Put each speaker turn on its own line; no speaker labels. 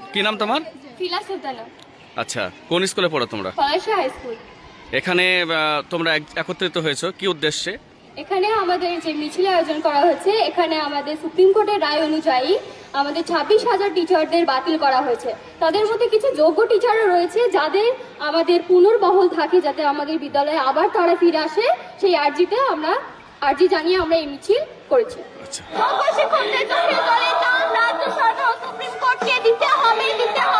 কি নাম তোমার?
ফিলা সুলতানা।
আচ্ছা, কোন স্কুলে পড়ো তোমরা?
Palasha high school.
এখানে তোমরা একত্রিত হয়েছো কি উদ্দেশ্যে?
এখানে আমাদের যে মিছিলের আয়োজন করা হয়েছে, এখানে আমাদের সুপ্রিম কোর্টের রায় অনুযায়ী আমাদের 26,000 টিচারদের বাতিল করা হয়েছে। তাদের মধ্যে কিছু যোগ্য টিচারও রয়েছে যাদের আমাদের পুনর্বহাল থাকে, যাতে আমাদের বিদ্যালয়ে আবার তারা ফিরে আসে। সেই আর্জি জানিয়ে আমরা এই মিছিল করেছি।
আচ্ছা,
যোগ্য শিক্ষকদের চোখের জলে রাজ্য সরকার ও সুপ্রিম কোর্টকে দিতে হবে।